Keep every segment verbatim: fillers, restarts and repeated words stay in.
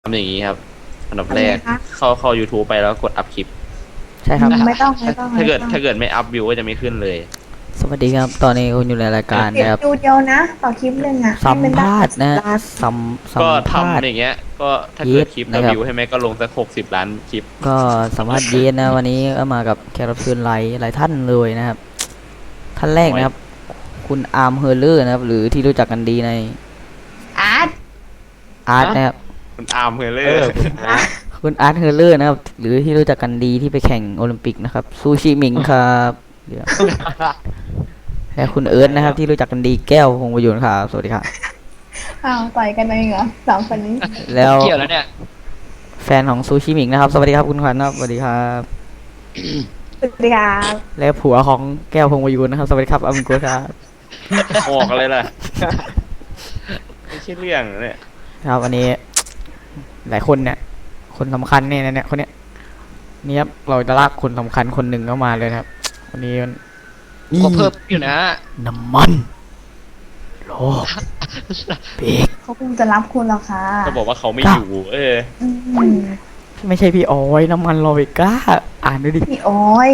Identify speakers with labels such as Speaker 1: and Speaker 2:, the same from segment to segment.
Speaker 1: ทำอย่างนี้ครับอันดับแรก
Speaker 2: ทำไงคะ
Speaker 1: เข้าเข้า YouTube ไปแล้วกดอัพคลิป
Speaker 3: ใช่ครับ
Speaker 2: ไม่ต้องไม่ต้อง
Speaker 1: ถ้าเกิด
Speaker 2: ไม่ต้อง
Speaker 1: ถ้าเกิดไม่อัพวิวก็จะไม่ขึ้นเลย
Speaker 3: สวัสดีครับ ตอนนี้คุณอยู่ในรายการ
Speaker 2: เก็บ
Speaker 3: นะครับ
Speaker 2: ดูเดียวนะ ต่อคลิปหนึ่งอ่ะ
Speaker 3: สัม
Speaker 2: ให้นได้
Speaker 3: ภาษณ์นะ
Speaker 2: ล้าน
Speaker 3: สัมสัม
Speaker 1: ก็
Speaker 3: ภาษ
Speaker 1: ทำ
Speaker 3: ณ์
Speaker 1: อย่างเงี้ย ก็ถ้าเกิดคลิปแล้ว
Speaker 3: นะครับ
Speaker 1: วิวให้ไหมก็ลงสักหกสิบล้านคลิป
Speaker 3: ก็สัมภาษณ์เยนนะ วันนี้ก็มากับแขกรับเชิญหลายหลายท่านเลยนะครับ ท่านแรกนะครับ คุณอาร์มเฮอร์เลอร์นะครับ หรือที่รู้จักกันดีใน
Speaker 2: อาร์ต
Speaker 3: อาร์ตนะครับ
Speaker 1: คุณอาร์มเฮเลอ
Speaker 4: เอ
Speaker 1: ร์
Speaker 4: อ
Speaker 3: คุณอาร์ตเฮอร์เลอร์นะครับ หรือที่รู้จักกันดีที่ไปแข่งโอลิมปิกนะครับซูชิมิงครับเดี๋ยวและคุณเอิร์ธนะครับ ที่รู้จักกันดีแก้วพงประยุนครับสวัสดีครับ
Speaker 2: อ้าวต่อยกันเองเหรอสองคนนี้
Speaker 3: แล้ว
Speaker 4: เกี่ยวแล้วเนี่ย
Speaker 3: แฟนของซูชิมิงนะครับ สวัสดีครับคุณขวัญครับสวัสดีครับ
Speaker 2: สวัสดีครับ
Speaker 3: และผัวของแก้วพงประยูนนะครับ สวัสดีครับอามิโกะครับ
Speaker 1: ออกอะไรล่ะ ไม่ใช่เรื่องนะเนี่ย
Speaker 3: ครับวันนี้ หลายคนเนี่ย คนสำคัญเนี่ยเนี่ยคนเนี้ยนี่ครับเราจะลากคนสำคัญคนหนึ่งเข้ามาเลยนะครับ วันนี้มัน
Speaker 4: ก็เพิ่มอยู่นะ
Speaker 3: น้ำมันโลเบรก
Speaker 2: เขาคงจะรับคุณแล้วค่ะ
Speaker 1: ก็บอกว่าเขาไม่
Speaker 3: ครับ
Speaker 1: อยู่ เออ
Speaker 2: อืม
Speaker 3: ไม่ใช่พี่ออยน้ำมันโลเวก้าอ่านดูดิ
Speaker 2: พี่โอ้ย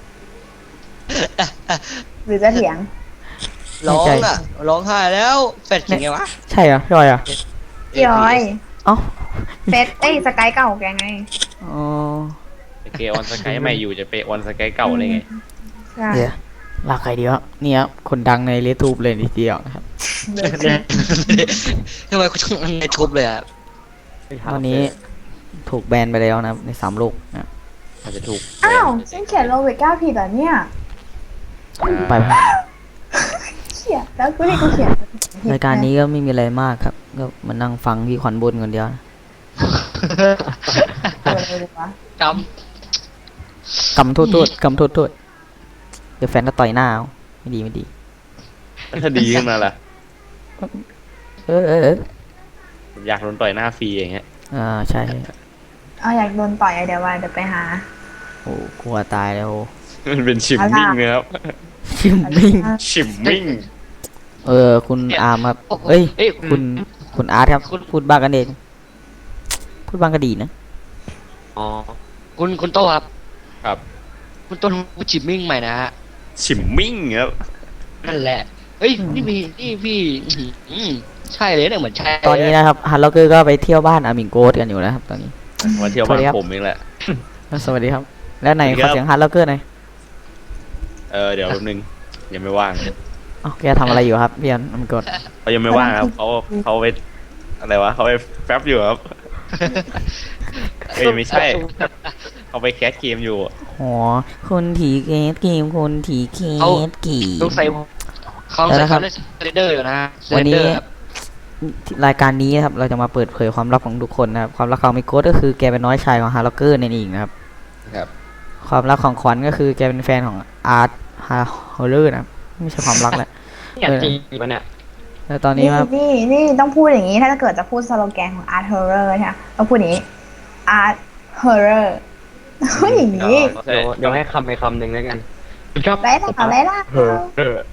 Speaker 2: หรือจะเถียง
Speaker 4: ร้องอ่ะร้องไห้แล้วเฟดยังไงวะ
Speaker 3: ใช่เหรอพี่ออยอ่ะ
Speaker 2: พี่โอ้ย
Speaker 3: เอ้า
Speaker 2: เฟสเอ้ยสกายเก่าแกไง
Speaker 3: อ๋อ
Speaker 1: เกออนสกายใหม่อยู่จะไปออนสกายเก่าอะไรไง
Speaker 2: ใช่
Speaker 3: เดี๋ยวลากใครดีวะเนี่ยครับคนดังในเลทูบเลยทีเดียวนะครับ
Speaker 4: ทำไมคุณต้องในทุบเลยอ่ะ
Speaker 3: วันนี้ถูกแบนไปแล้วนะครับในสามโลกนะ
Speaker 1: อาจจะถูก
Speaker 2: อ้าวฉันเขียนโรเวก้าผิดเหรอเนี่ย
Speaker 3: ไป
Speaker 2: เขียนแล้วกูนี่กูเขียนผิด
Speaker 3: รายการนี้ก็ไม่มีอะไรมากครับ ก็มานั่งฟังพี่ขวัญบนคนเดียวนะ
Speaker 2: เกิดอะไรเลยวะ
Speaker 4: จ
Speaker 3: กำโทษโทษกำโทษโทษเดี๋ยวแฟนก็ต่อยหน้าเอาไม่ดีไม่ดี
Speaker 1: ถ้าดีขึ้นมาล่ะ
Speaker 3: เออเออเออ
Speaker 1: อยากโดนต่อยหน้าฟรีอย่างเงี้ย
Speaker 3: อ่าใช่
Speaker 2: เอาอยากโดนต่อยอะเดี๋ยวว่าเดี๋ยวไปหา
Speaker 3: โอ้กลัวตายแล้ว
Speaker 1: มันเป็นชิมมิ่งนะครับ
Speaker 3: ชิมมิ่ง
Speaker 1: ชิมมิ่ง
Speaker 3: เออคุณอาร์มครับเอ้ย
Speaker 4: เอ้ย
Speaker 3: คุณคุณอาร์ตครับพูดบ้างกันเองพูดบ้างก็ดีนะ
Speaker 4: อ๋อคุณคุณโตครับ
Speaker 1: ครับ
Speaker 4: คุณโตทำจิมมิ่งใหม่นะฮะ
Speaker 1: ชิมมิ่งครับ
Speaker 4: นั่นแหละเฮ้ยนี่พี่นี่พี่อืมใช่เลยเนี่ยเหมือนใช่
Speaker 3: ตอนนี้นะครับฮันล็อกเกอร์ก็ไปเที่ยวบ้านอามิงโกสกันอยู่นะครับตอนนี้
Speaker 1: มาเที่ยวบ้านผมเองแหละ
Speaker 3: สวัสดีครับ แล้วไหน
Speaker 1: สวัสดี
Speaker 3: ข
Speaker 1: ครั
Speaker 3: อบ เสียงฮันล็อกเกอร์หน่อย
Speaker 1: เออเดี๋ยวแป๊บนึงยังไม่ว่าง
Speaker 3: เอ้าแกทำอะไรอยู่ครับพี่อามิงโกส
Speaker 1: เขายังไม่ว่างครับเขาเขาไปอะไรวะเขาไปแฟบอยู่ครับเอ้ยไม่ใช่เขาไปแคสเกมอยู่
Speaker 3: อ๋อคนถีเกตเกมคนถีเกตกี
Speaker 4: ต้องใส่เขาใส่เขาได้เรนเดอร์อยู่นะ
Speaker 3: วันนี้
Speaker 4: เรเดอร์ครับ
Speaker 3: รายการนี้นะครับเราจะมาเปิดเผยความลับของทุกคนนะครับความลับของมิโกสก็คือแกเป็นน้อยชายของฮาร์ล็อกเกอร์นั่นเองนะครับ
Speaker 1: ครับ
Speaker 3: ความลับของขวัญก็คือแกเป็นแฟนของอาร์ตฮาร์ฮอลเลอร์นะครับไม่ใช่ความรักแหละ
Speaker 4: เนี่ยจริงปะเนี่ย
Speaker 3: แล้วตอนนี้
Speaker 2: นี่
Speaker 3: ว่า
Speaker 2: นี่นี่ต้องพูดอย่างนี้ถ้าเกิดจะพูดสโลแกนของ Art Horror ใช่ไหมต้องพูดอย่างนี้ Art Horror พูดอย่างนี้
Speaker 1: ใช่
Speaker 5: เดี๋ยวเดี๋ยวให้คำไปคำหนึ่งแล้วกันชอบ
Speaker 2: ได้ล่ะได้ล่ะ
Speaker 5: เออเออ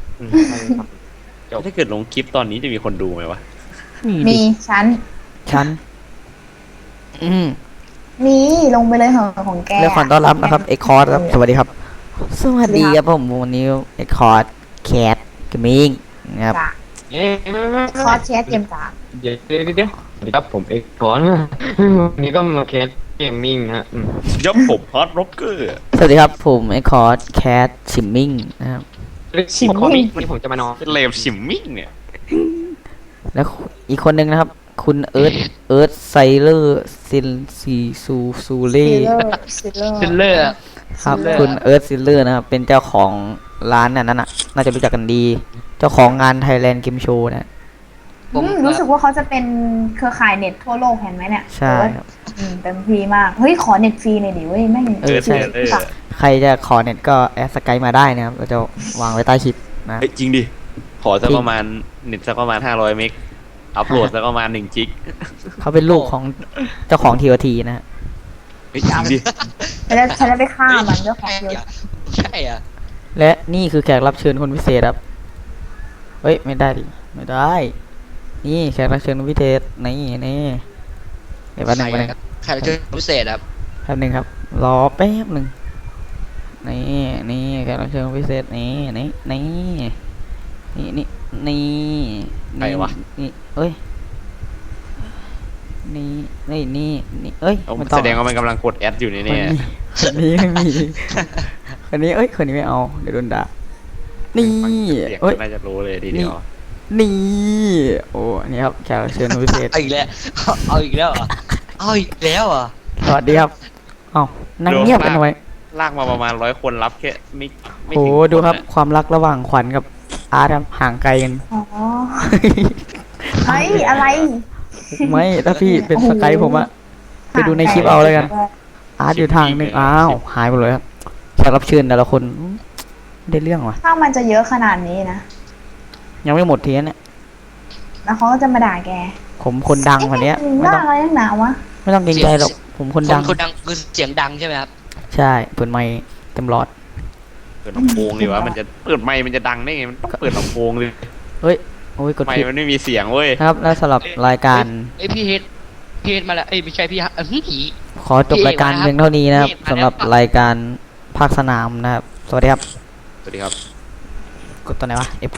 Speaker 1: ถ้าเกิดลงคลิปตอนนี้จะมีคนดูไหมวะ
Speaker 2: มีฉัน
Speaker 3: ฉันอืม
Speaker 2: มีลงไปเลยเหอะของแก
Speaker 3: เรื่องขอต้อนรับนะครับเอ็กคอร์ดครับสวัสดีครับ สวัสดีครับผมวันนี้เอ็กคอร์ดแคทเกมมิ่งนะครับ
Speaker 2: จ้ะ
Speaker 5: เอ๊ะ
Speaker 2: คอร์สแชทเกมจ้า
Speaker 5: เดี๋ยวเดี๋ยวเดี๋ยวสวัสดีครับผมเอกก่อนวันนี้ก็มาเคสเกมมิ่งฮะอืม
Speaker 1: ยับผมฮอตร็อกเกอร์
Speaker 3: สวัสดีครับผมเอ็กคอร์ดแคทชิมมิ่งนะครับ
Speaker 2: ชิม
Speaker 5: ขอ
Speaker 2: มิ่ง
Speaker 5: วันนี้ผมจะมานอน
Speaker 1: เป็นเลมชิมมิ่งเนี่ย
Speaker 3: แล้วอีกคนหนึ่งนะครับ คุณเอิร์ธเอิร์ธไซเลอร์ซินซีซูซูเล่
Speaker 2: ซิลเลอร์ซิลเลอร์
Speaker 4: ซิลเลอร์
Speaker 3: ครับคุณเอิร์ธซิลเลอร์นะครับเป็นเจ้าของร้านนั่นน่ะน่าจะรู้จักกันดี เจ้าของงาน Thailand Game Show นะ
Speaker 4: ผม
Speaker 2: อืมรู้สึกว่าเขาจะเป็นเครือข่ายเน็ตทั่วโลกเห็นไหมเนี่ย
Speaker 3: ใช่ครับ
Speaker 2: อืมเต็มฟรีมาก เฮ้ย ขอเน็ตฟรีหน่อยดิเว้ยแม่ง
Speaker 3: เออใช่
Speaker 1: เออ
Speaker 3: ใครจะขอเน็ตก็แอดสกายมาได้นะครับเราจะวางไว้ใต้คลิปนะ
Speaker 1: เฮ้ยจริงดิ ขอสักประมาณเน็ตสักประมาณห้าร้อยเมกอัพโหลดสักประมาณหนึ่งจิก
Speaker 3: เขาเป็นลูกของเจ้าของ ที โอ ที นะฮะ
Speaker 1: เฮ้ยจริงดิ
Speaker 2: ฉันจะฉันจะไปฆ่ามันเจ้าของเดียว
Speaker 4: ใช่อ่ะ
Speaker 3: และนี่คือแขกรับเชิญคนพิเศษครับเฮ้ยไม่ได้ดิไม่ได้ นี่แขกรับเชิญคนพิเศษนี่นี่เดี๋ยวแป๊บหนึงแป๊บหนึง
Speaker 4: ใครเจอพิเศษครับ
Speaker 3: แป๊บหนึงครับ รอแป๊บหนึ่งนี่นี่แขกรับเชิญพิเศษนี่นี่นี่นี่นี่นี่
Speaker 1: ใครวะ
Speaker 3: นี่เอ้ยนี่นี่นี่นี่เอ้ย
Speaker 1: เอา
Speaker 3: ไม่ต้อง
Speaker 1: แสดงว่ามันกำลังกดแอดอยู่นี่
Speaker 3: คน
Speaker 1: เนี่ย
Speaker 3: นี้คนนี้ไม่มีคนนี้เอ้ยคนนี้ไม่เอาเดี๋ยวโดนด่านี่
Speaker 1: ฟังเสียง
Speaker 3: เอ้ย
Speaker 1: น่าจะรู้เลยทีเดียว
Speaker 3: นี่โอ้อันนี้ครับแขกรับเชิญพิเศษ
Speaker 4: เอาอีกแล้วเอาอีกแล้วเหรอเอาอีกแล้วเหรอ
Speaker 3: สวัสดีครับเอ้านั่งเงียบกันทำไม
Speaker 1: ลากมาประมาณร้อยคนรับแค่ไม่ไม่
Speaker 3: โอ้
Speaker 1: ถึง
Speaker 3: ดูครับ
Speaker 1: นอะ
Speaker 3: ความรักระหว่างขวัญกับอาร์ตครับห่างไกลกัน
Speaker 2: อ๋อเฮ้ยอะไร
Speaker 3: ไม่ถ้าพี่เป็น
Speaker 2: โอ้โห
Speaker 3: สกายผมอะไปดูในคลิปเอาเลยกัน อาร์ตอยู่ทางหนึ่งอ้าวหายไปเลยครับแขกรับเชิญแต่ละคนอืมไม่ได้เรื่องว่ะ
Speaker 2: ถ้ามันจะเยอะขนาดนี้นะ
Speaker 3: ยังไม่หมดทีนั้นเนี่ย
Speaker 2: แล้วเขาก็จะมาด่าแก
Speaker 3: ผมคนดังคนเนี้ยไม่
Speaker 2: ด่า
Speaker 3: ต้อง
Speaker 2: อะไรนักหนาวะ
Speaker 3: ไม่ต้องเกรงใจหรอกผมคนดัง
Speaker 4: คนดังคือเสียงดังใช่ไหมครับ
Speaker 3: ใช่เปิดไมค์เต็มหลอด
Speaker 1: เปิดลำโพงดีวะมันจะเปิดไมค์มันจะดังได้ไงมันต้องเปิดลำโพงเลย
Speaker 3: เฮ้ยโอ้ยกด
Speaker 1: ไม
Speaker 3: ผิด
Speaker 1: ค์มันไม่มีเสียงเว้ย
Speaker 3: นะครับแล้วสำหรับรายการ
Speaker 4: เอ้ยพี่เฮดพี่เฮดมาแล้วเอ้ยไม่ใช่พี่ฮะเอ้ยผี
Speaker 3: ขอจบรายการเพียงเท่านี้นะครับ
Speaker 4: พี่เอกมาแล้ว
Speaker 3: สำหรับรายการภาคสนามนะครับ สวัสดีครับ
Speaker 1: สวัสดีครับ
Speaker 3: กดตัวไหนวะ F